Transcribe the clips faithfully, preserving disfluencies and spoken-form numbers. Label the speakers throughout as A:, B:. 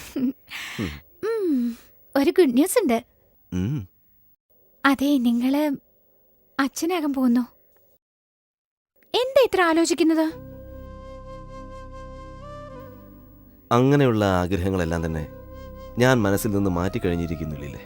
A: ഒരു good news ഉണ്ട്.
B: ഉം.
A: അതെ, നിങ്ങള് അച്ഛനാകാൻ പോകുന്നു. എന്താ ഇത്ര ആലോചിക്കുന്നത്?
B: അങ്ങനെയുള്ള ആഗ്രഹങ്ങളെല്ലാം തന്നെ ഞാൻ മനസ്സിൽ നിന്ന് മാറ്റിക്കഴിഞ്ഞിരിക്കുന്നില്ലേ.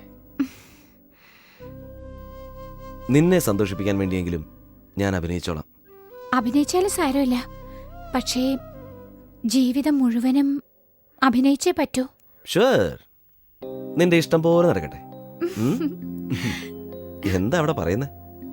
B: നിന്നെ സന്തോഷിപ്പിക്കാൻ വേണ്ടിയെങ്കിലും ഞാൻ അഭിനയിച്ചോളാം.
A: അഭിനയിച്ചാലും സാരമില്ല, പക്ഷേ ജീവിതം മുഴുവനും അഭിനയിച്ചേ പറ്റൂ.
B: ഷുവർ, നിന്റെ ഇഷ്ടം പോലെ നടക്കട്ടെ. ഉം? എന്താ അവിടെ പറയുന്നേ?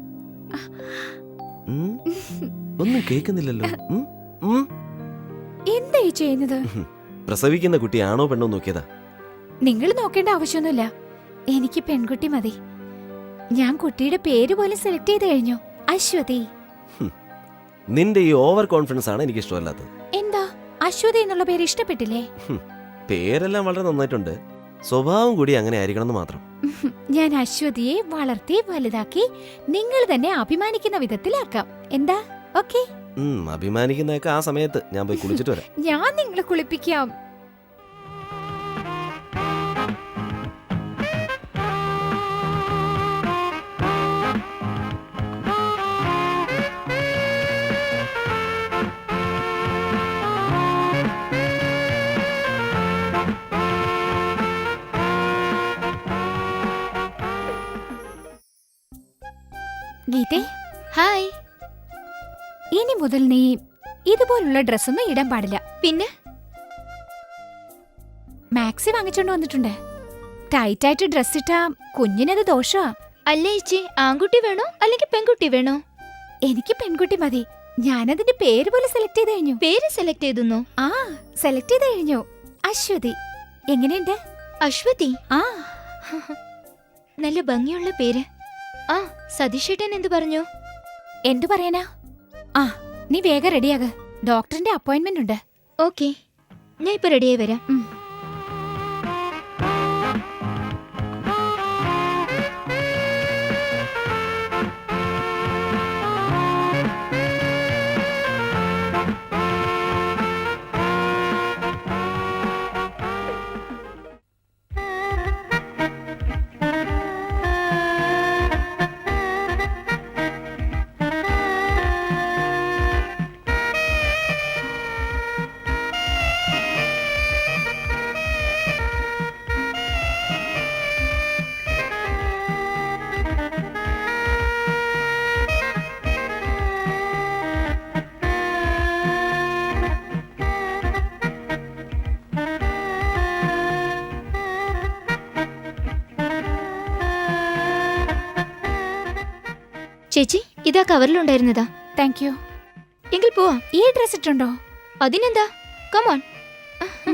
B: ഉം? ഒന്നും കേൾക്കുന്നില്ലല്ലോ. ഉം? ഉം?
A: എന്താ ഈ ചെയ്യുന്നത്?
B: പ്രസവിക്കുന്ന കുട്ടി ആണോ പെണ്ണോ നോക്കിയതാ.
A: നിങ്ങൾ നോക്കേണ്ട ആവശ്യമൊന്നുമില്ല. എനിക്ക് പെൺകുട്ടി മതി. ഞാൻ കുട്ടിയുടെ പേര് പോലും സെലക്ട് ചെയ്ത് കഴിഞ്ഞു. അശ്വതി.
B: നിന്റെ ഈ ഓവർ കോൺഫിഡൻസ് ആണ് എനിക്ക് ഇഷ്ടമല്ലാത്തത്.
A: എന്താ, അശ്വതി എന്നുള്ള പേര് ഇഷ്ടപ്പെട്ടില്ലേ?
B: പേരെല്ലാം വളരെ നന്നായിട്ടുണ്ട്, സ്വഭാവം കൂടി അങ്ങനെ ആയിരിക്കണം മാത്രം.
A: ഞാൻ അശ്വതിയെ വളർത്തി വലുതാക്കി നിങ്ങൾ തന്നെ അഭിമാനിക്കുന്ന വിധത്തിലാക്കാം. എന്താ? ഓക്കേ?
B: അഭിമാനിക്കുന്നതൊക്കെ ആ സമയത്ത് ഞാൻ പോയി കുളിച്ചിട്ട് വരാം.
A: ഞാൻ നിങ്ങളെ കുളിപ്പിക്കാം. ഗീതേ,
C: ഹായ്.
A: ഇനി മുതൽ നീ ഇതുപോലുള്ള ഡ്രസ്സൊന്നും ഇടാൻ പാടില്ല.
C: പിന്നെ
A: മാക്സി വാങ്ങിച്ചോണ്ട് വന്നിട്ടുണ്ട്. ടൈറ്റ് ആയിട്ട് ഡ്രസ് ഇട്ടാ കുഞ്ഞിനത് ദോഷമാ.
C: അല്ല ചേച്ചി, ആൺകുട്ടി വേണോ അല്ലെങ്കിൽ പെൺകുട്ടി വേണോ?
A: എനിക്ക് പെൺകുട്ടി മതി. ഞാനതിന്റെ പേര് പോലെ സെലക്ട് ചെയ്ത് കഴിഞ്ഞു.
C: പേര് സെലക്ട് ചെയ്തു?
A: ആ, സെലക്ട് ചെയ്ത് കഴിഞ്ഞു. അശ്വതി. എങ്ങനെയുണ്ട്?
C: അശ്വതി?
A: ആ,
C: നല്ല ഭംഗിയുള്ള പേര്. ആ, സതീഷേട്ടൻ എന്തു പറഞ്ഞു?
A: എന്തു പറയാനാ? ആ, നീ വേഗം റെഡിയാക, ഡോക്ടറിന്റെ അപ്പോയിന്റ്മെന്റ് ഉണ്ട്.
C: ഓക്കെ, ഞാൻ ഇപ്പൊ റെഡിയായി വരാം. ചേച്ചി, ഇതാ കവറിലുണ്ടായിരുന്നതാ.
A: Thank you.
C: എങ്കിൽ പോവാ.
A: ഈ ഡ്രസ് ഇട്ടുണ്ടോ?
C: അതിനെന്താ, കമോൺ.